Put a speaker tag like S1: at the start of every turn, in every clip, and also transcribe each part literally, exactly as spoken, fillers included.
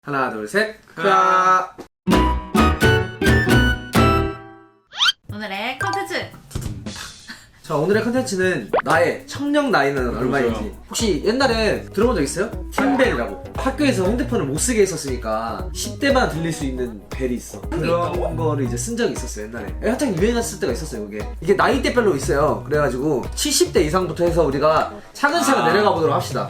S1: 하나 둘 셋. 크아.
S2: 오늘의 컨텐츠.
S1: 자, 오늘의 컨텐츠는 나의 청력 나이는 얼마인지. 혹시 옛날에 들어본 적 있어요? 팀벨이라고. 학교에서 핸드폰을 못 쓰게 했었으니까 십 대만 들릴 수 있는 벨이 있어. 그런 거를 이제 쓴 적이 있었어요, 옛날에. 한창 유행했을 때가 있었어요, 그게. 이게 나이대별로 있어요. 그래가지고 칠십 대 이상부터 해서 우리가 차근차근
S3: 아.
S1: 내려가 보도록 합시다.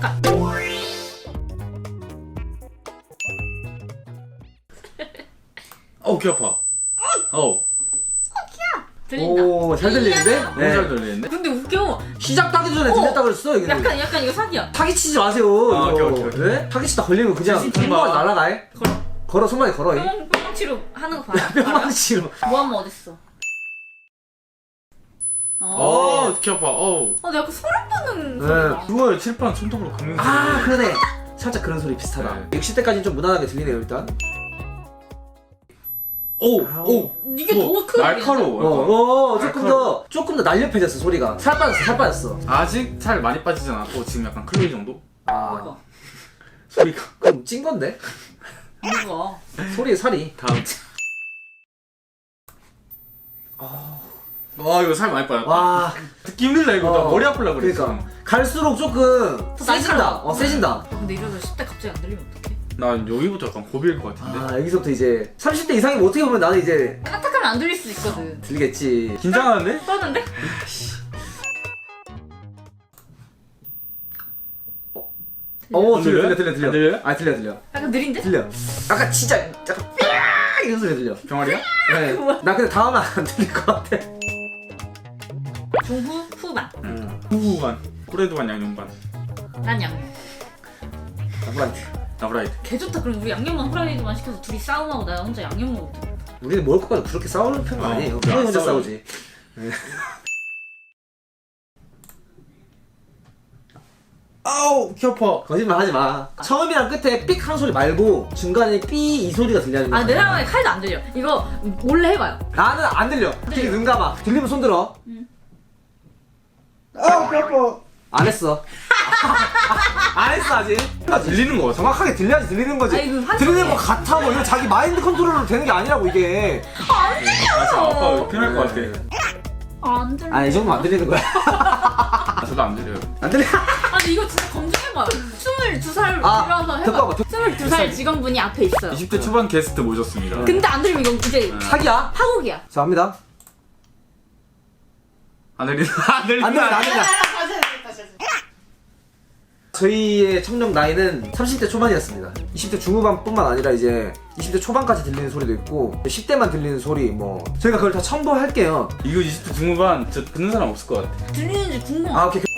S3: 어우 귀 아파. 어우
S2: 들린다.
S1: 오, 잘 들리는데?
S3: 너무 잘 들리는데?
S2: 근데 웃겨.
S1: 시작도 하기 전에 들렸다 그랬어, 이게.
S2: 약간 약간 이거 사기야.
S1: 사기치지 마세요.
S3: 아,
S1: 이거.
S3: 오케이, 오케이, 오케이.
S1: 네? 사기치다 걸리면 그냥
S3: 진짜
S1: 손목이
S3: 봐.
S1: 날아가.
S2: 걸어.
S1: 걸어, 손목에 걸어. 이.
S2: 뿅 뿅치로 하는 거 봐요.
S1: 뿅망치로.
S2: 모하면 어딨어? 어.
S3: 어우 귀 아파. 어우.
S2: 어, 내가 그 소름 돋는
S1: 네.
S2: 소리가.
S3: 그거에 칠판 손톱으로 긁는 소리.
S1: 아, 그러네. 살짝 그런 소리 비슷하다.
S3: 네.
S1: 육십 대까지는 좀 무난하게 들리네요, 일단.
S3: 오!
S1: 아우.
S3: 오!
S2: 이게 더 크게
S3: 날카로워.
S1: 어, 어, 조금
S3: 날카로워.
S1: 더, 조금 더 날렵해졌어, 소리가. 살 빠졌어, 살 빠졌어.
S3: 아직 살 많이 빠지진 않았고 지금 약간 클로이 정도?
S1: 아,
S2: 뭐가?
S3: 소리가.
S1: 그럼 찐 건데?
S2: 뭐가?
S1: 소리에 살이.
S3: 다음. 와 이거 살 많이 빠졌다.
S1: 와,
S3: 듣기 힘들다 이거. 나
S1: 어,
S3: 머리 아플라 그랬어.
S1: 그러니까. 갈수록 조금
S2: 더
S1: 세진다.
S2: 날카로워.
S1: 어, 세진다.
S2: 아, 근데 이러다 십 대 갑자기 안 들리면 어떡해?
S3: 난 여기부터 약간 고비일 것 같은데.
S1: 아, 여기서부터 이제 삼십 대 이상이면 어떻게 보면 나는 이제
S2: 까딱하면 안 들릴 수 있거든.
S1: 들리겠지.
S3: 긴장하는데?
S2: 떠는데?
S1: 어, 들려,
S3: 안
S1: 들려, 들려, 들려.
S3: 안 들려요?
S1: 아, 들려, 들려.
S2: 약간 느린데?
S1: 들려. 아까 진짜 약간 삐약 이런 소리 들려.
S3: 병아리야?
S1: 네. 나 근데 다음은 안 들릴 것 같아.
S2: 중후 후반.
S1: 응.
S3: 후반. 꾸레드 반 양념 반.
S2: 난 양념.
S1: 나브라이트.
S3: 나브라이트.
S2: 개 좋다. 그럼 우리 양념만 후라이드만 시켜서 둘이 싸움하고 나 혼자 양념 먹어도 돼.
S1: 우리는 먹을 것까지 그렇게 싸우는 편은
S3: 어,
S1: 아니에요.
S3: 그래,
S1: 그냥 혼자
S3: 안
S1: 싸우지.
S3: 아우 귀 아파.
S1: 거짓말 하지 마. 처음이랑 끝에 삑 하는 소리 말고 중간에 삐 이 소리가 들리는 거야.
S2: 아, 내 상황에 칼도 안 들려. 이거 몰래 해봐요.
S1: 나는 안 들려. 특히 눈 감아. 들리면 손 들어.
S2: 응.
S1: 아우, 배 아파. 안 했어. 안 했어, 아직.
S3: 들리는 거 같아.
S1: 정확하게 들려야지 들리는 거지.
S2: 아니, 그 환청해.
S1: 들리는 거 같아 뭐 이거 자기 마인드 컨트롤로 되는 게 아니라고 이게.
S2: 안 들려.
S3: 아 진짜 아빠 피날 것 같아.
S2: 안 들려.
S1: 아, 이 정도면 안 들리는 거야.
S3: 아, 저도 안 들려요.
S1: 안 들려.
S2: 아니 이거 진짜 검증해봐요. 스물두 살
S1: 아,
S2: 들어와서 해봐.
S1: 듣고 와봐. 듣-
S2: 스물두 살 직원분이 앞에 있어요.
S3: 이십 대 초반 게스트 모셨습니다.
S2: 근데 안 들리면 이거 이제
S1: 사기야?
S2: 파국이야.
S1: 자, 합니다.
S3: 안 들리나? 안 들리나?
S1: 안 들려, 안 들려. 저희의 청력 나이는 삼십 대 초반이었습니다. 이십 대 중후반뿐만 아니라 이제 이십 대 초반까지 들리는 소리도 있고 십 대만 들리는 소리 뭐 저희가 그걸 다 첨부할게요.
S3: 이거 이십 대 중후반 저 듣는 사람 없을 것 같아.
S2: 들리는지 궁금해.
S1: 아, 오케이.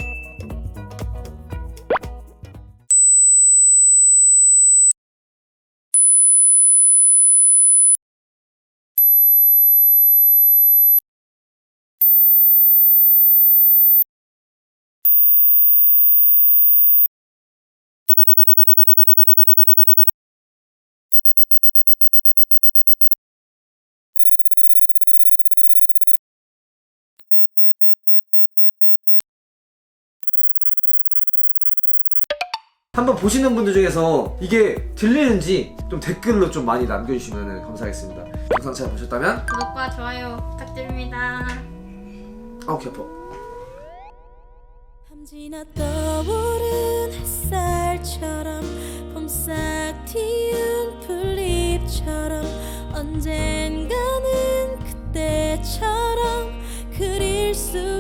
S1: 한번 보시는 분들 중에서 이게 들리는지 좀 댓글로 좀 많이 남겨주시면 감사하겠습니다. 영상 잘 보셨다면
S2: 구독과 좋아요 부탁드립니다.
S1: 아우 개 아파.
S4: 밤지나 떠오른 햇살처럼 봄싹 튀운 풀잎처럼 언젠가는 그때처럼 그릴 수